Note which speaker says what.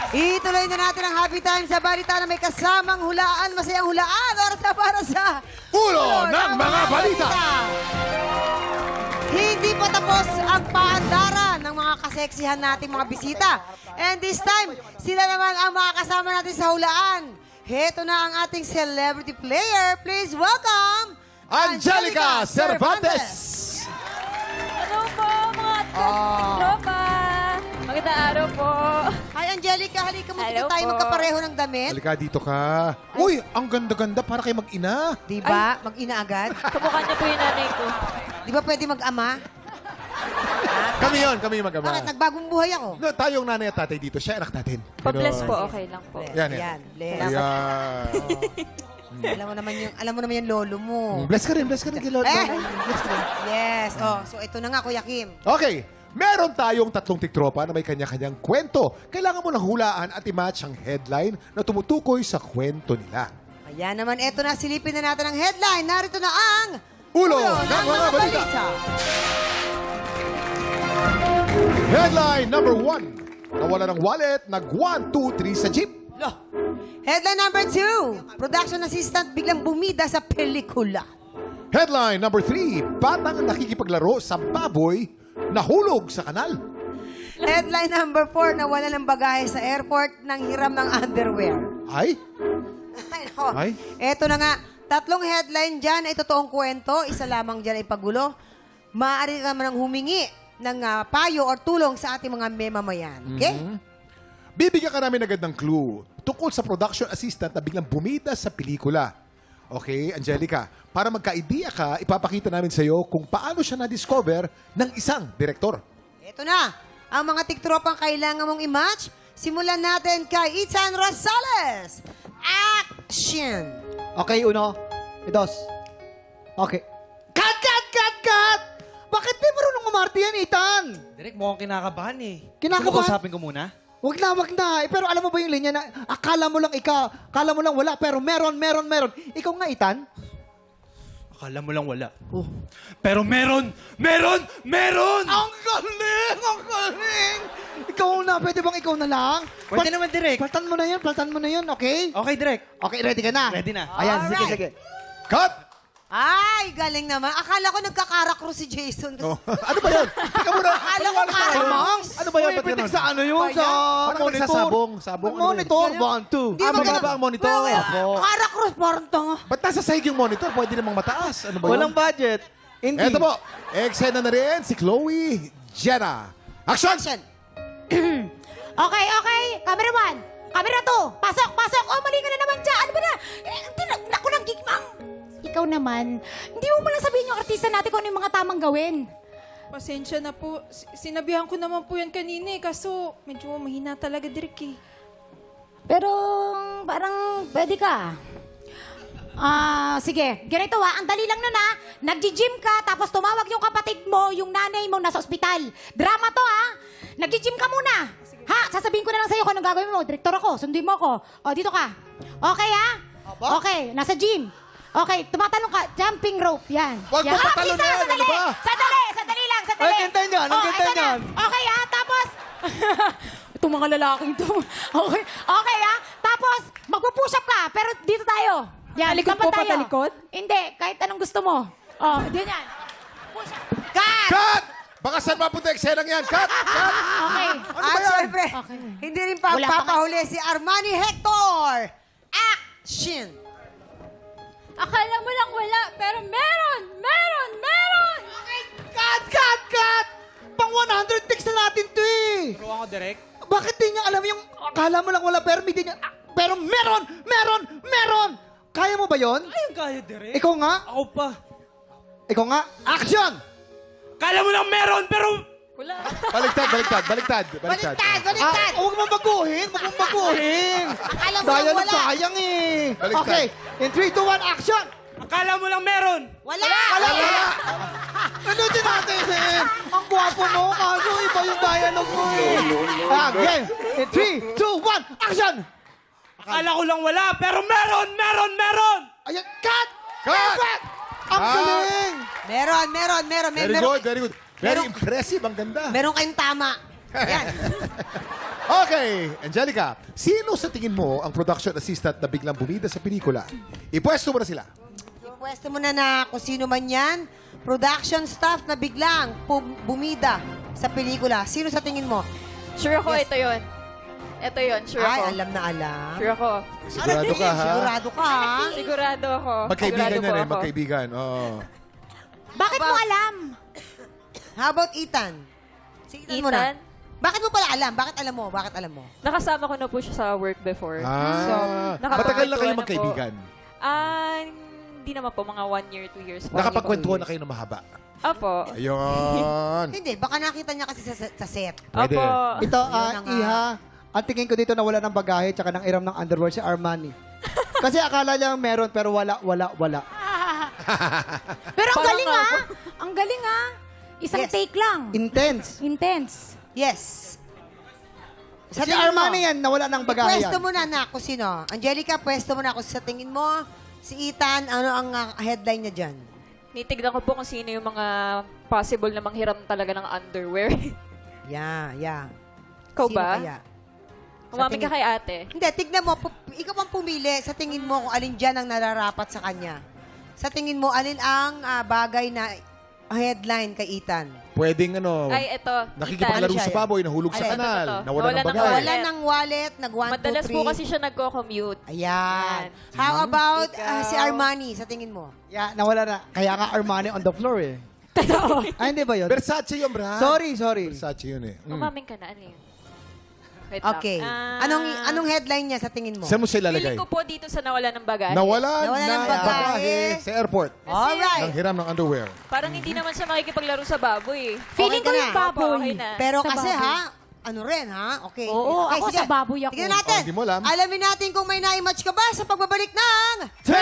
Speaker 1: Ituloy na natin ang happy time sa balita na may kasamang hulaan, masayang hulaan. Oras na para sa
Speaker 2: Ulo ng mga balita.
Speaker 1: Hindi pa tapos ang paandaran ng mga kaseksihan nating mga bisita. And this time, sila naman ang mga kasama natin sa hulaan. Heto na ang ating celebrity player. Please welcome
Speaker 2: Angelica Cervantes.
Speaker 3: Hello po, mga tropa. Magandang araw po.
Speaker 1: Hi Angelica, halika mo
Speaker 3: Hello
Speaker 1: tayo
Speaker 3: po.
Speaker 1: magkapareho ng damit.
Speaker 2: Halika dito ka. Uy, ang ganda-ganda para kay mag-ina.
Speaker 1: Di ba? Mag-ina agad.
Speaker 3: Kamukha niya po yung nanay ko.
Speaker 1: Di ba pwede mag-ama?
Speaker 2: Kami yung mag-ama.
Speaker 1: Bakit? Nagbagong buhay ako.
Speaker 2: No, tayong nanay at tatay dito. Siya anak natin.
Speaker 3: Pa-bless
Speaker 2: Ganon.
Speaker 3: po, okay lang po.
Speaker 2: Yan, yan.
Speaker 1: Ayan, bless.
Speaker 2: Ayan.
Speaker 1: Alam mo naman yung lolo mo.
Speaker 2: Bless ka rin kay Lord.
Speaker 1: Eh!
Speaker 2: Bless ka rin.
Speaker 1: Yes. Oh, so ito na nga, Kuya Kim.
Speaker 2: Okay, meron tayong tatlong tiktropa na may kanya-kanyang kwento. Kailangan mo lang hulaan at i-match ang headline na tumutukoy sa kwento nila.
Speaker 1: Ayan naman, eto na, silipin na natin ang headline. Narito na ang
Speaker 2: Ulo ng mga balita. Headline number 1. Nawala ng wallet, nag 1, 2, 3 sa jeep.
Speaker 1: Headline number 2. Production assistant biglang bumida sa pelikula.
Speaker 2: Headline number 3. Batang nakikipaglaro sa baboy, nahulog sa kanal.
Speaker 1: Headline number 4. Nawala ng bagahe sa airport ng hiram ng underwear.
Speaker 2: Ay,
Speaker 1: Ay, nako.
Speaker 2: Ay.
Speaker 1: Eto na nga. Tatlong headline dyan ay totoong kwento. Isa lamang dyan ay pagulo. Maaari ka naman humingi ng payo or tulong sa ating mga memamayan. Okay?
Speaker 2: bibigyan ka namin agad ng clue tungkol sa production assistant na biglang bumida sa pelikula. Okay, Angelica, para magka-idea ka, ipapakita namin sa iyo kung paano siya na-discover ng isang direktor.
Speaker 1: Eto na. Ang mga tiktropang kailangan mong i-match. Simulan natin kay Itan Rosales. Action!
Speaker 4: Okay, uno. Dos. Okay. Cut! Bakit di marunong umarte yan, Ethan?
Speaker 5: Direk, mukhang kinakabahan eh.
Speaker 4: Kinakabahan?
Speaker 5: Gusto mo kausapin ko muna?
Speaker 4: Wag na. Pero alam mo ba yung linya na akala mo lang wala, pero meron. Ikaw nga, Ethan.
Speaker 5: Akala mo lang wala. Oh. Pero meron!
Speaker 4: Ang galing! Ikaw na, pwede bang ikaw na lang?
Speaker 5: Pwede naman, Direk.
Speaker 4: Paltan mo na yun, okay?
Speaker 5: Okay, Direk.
Speaker 4: Okay, ready ka na?
Speaker 5: Ready na.
Speaker 4: Ayan,
Speaker 1: Alright.
Speaker 4: sige.
Speaker 2: Cut!
Speaker 1: Ay, galing naman. Akala ko nagkakarakro si Jason.
Speaker 2: Oh, ano ba yan? Teka muna.
Speaker 1: Akala ko
Speaker 2: Maniwala ka
Speaker 1: kaya.
Speaker 2: ba?
Speaker 4: Mangs,
Speaker 2: Ano ba yan?
Speaker 4: Uy,
Speaker 2: Ba't
Speaker 4: pitik
Speaker 2: ganun?
Speaker 4: sa ano yun? Sa
Speaker 2: Parang
Speaker 4: monitor.
Speaker 2: nagsasabong. Sabong, ano ba
Speaker 4: Monitor,
Speaker 2: yan?
Speaker 4: 1, 2.
Speaker 1: Di ba
Speaker 2: mababa
Speaker 1: ganun?
Speaker 2: ang monitor. Opo.
Speaker 1: Karakro, parang tanga.
Speaker 2: Ba't nasa sahig yung monitor? Pwede namang mataas. Ano ba
Speaker 4: Walang
Speaker 2: yun?
Speaker 4: budget. Hindi.
Speaker 2: Eto po. Eksena na rin si Chloe Jenna. Action!
Speaker 1: Action!
Speaker 6: Okay. Camera 1. Camera 2. Pasok. Oh, mali ka na naman dyan. Ano ba na? Naku lang, gigmang. Ikaw naman, hindi mo lang sabihin yung artista natin kung ano yung mga tamang gawin.
Speaker 3: Pasensya na po. Sinabihan ko naman po yan kanina eh. Kaso medyo mahina talaga, Direk eh.
Speaker 6: Pero, parang pwede ka. Sige. Ganito ang dali lang nun Nag-gym ka, tapos tumawag yung kapatid mo, yung nanay mo nasa ospital. Drama to Nag-gym ka muna. Sasabihin ko na lang sa'yo kung anong gagawin mo. Direktor ako, sundin mo ako. O, dito ka. Okay Okay, nasa gym. Okay, tumatalong ka. Jumping rope, yan.
Speaker 2: Wag mo
Speaker 6: Yan.
Speaker 2: patalon
Speaker 6: Isa,
Speaker 2: yan, ano ba?
Speaker 6: Sandali lang.
Speaker 4: Ay, gantan yan,
Speaker 6: Oh,
Speaker 4: gantan
Speaker 6: ito na.
Speaker 4: yan.
Speaker 6: Okay tapos... Itong mga lalaking to. Okay tapos magpo-push up ka, pero dito tayo. Yan,
Speaker 3: Talikod
Speaker 6: tapat
Speaker 3: po,
Speaker 6: tayo.
Speaker 3: patalikod?
Speaker 6: Hindi, kahit anong gusto mo. Oh, ganyan. Push up.
Speaker 1: Cut!
Speaker 2: Cut! Baka saan mapunta eksenang yan? Cut!
Speaker 6: Okay.
Speaker 2: Ano ba
Speaker 1: At
Speaker 2: yan?
Speaker 1: syempre, hindi rin pa
Speaker 6: Wala pa
Speaker 1: papahuli si Armani Hector. Action!
Speaker 3: Akala mo lang wala, pero meron!
Speaker 4: Cut! Pang 100 takes na natin to eh.
Speaker 5: Turuan ko, Direk.
Speaker 4: Bakit di niya alam yung akala mo lang wala pero hindi niya... pero meron! Kaya mo ba yon?
Speaker 5: Ayun kaya, Direk.
Speaker 4: Ikaw nga?
Speaker 5: Ako pa.
Speaker 4: Action!
Speaker 5: Akala mo lang meron, pero...
Speaker 3: Wala.
Speaker 2: Baliktad.
Speaker 4: Huwag mo baguhin!
Speaker 1: Akala mo lang
Speaker 4: Dialogue
Speaker 1: wala.
Speaker 4: sayang eh.
Speaker 2: Baliktad.
Speaker 4: Okay, in 3, 2, 1, action!
Speaker 5: Akala mo lang meron.
Speaker 1: Wala!
Speaker 4: Ano din natin eh? Ang gwapo mo, kaso iba yung dialogue mo eh. Game, in 3, 2, 1, action!
Speaker 5: Akala ko lang wala, pero meron!
Speaker 4: Ayan, cut!
Speaker 2: Cut!
Speaker 4: Perfect! Ang
Speaker 2: Ah.
Speaker 4: galing!
Speaker 1: Meron.
Speaker 2: Very good. Very
Speaker 1: Meron-
Speaker 2: impressive. Ang ganda.
Speaker 1: Meron kayong tama. Yan.
Speaker 2: Okay, Angelica, sino sa tingin mo ang production assistant na biglang bumida sa pelikula? Ipwesto mo na sila.
Speaker 1: Pwesto mo na kung sino man yan. Production staff na biglang bumida sa pelikula. Sino sa tingin mo?
Speaker 7: Sure ako,
Speaker 1: Yes.
Speaker 7: ito yon. Ito yon, sure
Speaker 1: Ay,
Speaker 7: ako.
Speaker 1: alam na alam.
Speaker 7: Sure ako.
Speaker 2: Sigurado ka, ha?
Speaker 1: Sigurado ka, ha?
Speaker 7: Sigurado ako.
Speaker 2: Magkaibigan
Speaker 7: Sigurado
Speaker 2: yan
Speaker 7: po
Speaker 2: eh,
Speaker 7: ako.
Speaker 2: magkaibigan. Oo.
Speaker 6: Bakit mo alam?
Speaker 1: How about Ethan? Si Ethan muna.
Speaker 7: Ethan,
Speaker 1: Bakit mo pala alam? Bakit alam mo? Bakit alam mo?
Speaker 7: nakasama ko na po siya sa work before.
Speaker 2: Ah,
Speaker 7: nakapagkwentuhan
Speaker 2: matagal na kayo
Speaker 7: na po.
Speaker 2: magkaibigan.
Speaker 7: Hindi naman po, mga 1 year, 2 years po.
Speaker 2: Nakapagkwentuhan na kayo ng mahaba.
Speaker 7: Opo.
Speaker 2: Ayun.
Speaker 1: Hindi, baka nakita niya kasi sa set.
Speaker 2: Pwede.
Speaker 7: Opo.
Speaker 4: Ito,
Speaker 1: Yun na nga.
Speaker 4: Iha, ang tingin ko dito na wala ng bagahe tsaka ng iram ng underwear si Armani. Kasi akala niya meron pero wala.
Speaker 6: Pero ang
Speaker 7: Parang
Speaker 6: galing
Speaker 7: nga
Speaker 6: ah. Ang galing ah. Isang
Speaker 1: Yes.
Speaker 6: take lang.
Speaker 4: Intense.
Speaker 6: Intense.
Speaker 1: Yes.
Speaker 4: Si
Speaker 1: tingin
Speaker 4: Armani
Speaker 1: mo,
Speaker 4: yan, nawala ng bagahe
Speaker 1: Pwesto
Speaker 4: yan.
Speaker 1: mo na kung sino. Angelica, pwesto mo na kung sa tingin mo. Si Ethan, ano ang headline niya dyan?
Speaker 7: Nitignan ko po kung sino yung mga possible na manghiram talaga ng underwear.
Speaker 1: Yeah.
Speaker 7: Ikaw
Speaker 1: Sino
Speaker 7: ba?
Speaker 1: kaya?
Speaker 7: Umamin ka kay ate.
Speaker 1: Hindi, tignan mo. Ikaw pang pumili. Sa tingin mo kung alin dyan ang nararapat sa kanya. Sa tingin mo, alin ang bagay na headline kay Ethan?
Speaker 2: Pwedeng ano,
Speaker 7: Ay, eto.
Speaker 2: nakikipaglaro
Speaker 1: Ethan.
Speaker 2: sa baboy, nahulog sa
Speaker 1: Alin?
Speaker 2: kanal,
Speaker 7: Ito.
Speaker 2: nawala ng
Speaker 7: Nawala ng
Speaker 2: bagay.
Speaker 7: wallet.
Speaker 1: Wala ng wallet, nag-1, 2, 3.
Speaker 7: Madalas po kasi siya nagko-commute.
Speaker 1: Ayan.
Speaker 7: Yan.
Speaker 1: How about
Speaker 7: Ikaw.
Speaker 1: si Armani, sa tingin mo?
Speaker 4: Yeah, nawala na. Kaya nga Armani on the floor eh. Ay, hindi ba yun?
Speaker 2: Versace yun, Brad.
Speaker 4: Sorry.
Speaker 2: Versace yun eh.
Speaker 7: Umamin ka na, ano yun? Wait lang.
Speaker 1: Okay.
Speaker 7: Ah,
Speaker 1: Anong headline niya sa tingin mo?
Speaker 2: Saan mo siya ilalagay?
Speaker 7: Feeling ko po dito sa nawala ng bagahe.
Speaker 2: Nawala
Speaker 1: Nawala ng
Speaker 2: ng
Speaker 1: bagahe.
Speaker 2: bagahe sa airport.
Speaker 1: Alright.
Speaker 2: Nang hiram ng underwear.
Speaker 7: Parang hindi naman siya makikipaglaro sa baboy.
Speaker 6: Feeling ko
Speaker 1: ka
Speaker 6: yung
Speaker 1: na.
Speaker 6: baboy.
Speaker 7: Opo, okay na.
Speaker 1: Pero
Speaker 6: Sa
Speaker 1: kasi
Speaker 6: baboy.
Speaker 1: ano rin ha? Okay.
Speaker 6: Oo,
Speaker 1: Okay,
Speaker 6: ako
Speaker 1: sige.
Speaker 6: sa baboy ako.
Speaker 1: Tignan natin.
Speaker 2: Oh, hindi mo alam.
Speaker 1: Alamin natin kung may na-match ka ba sa pagbabalik ng...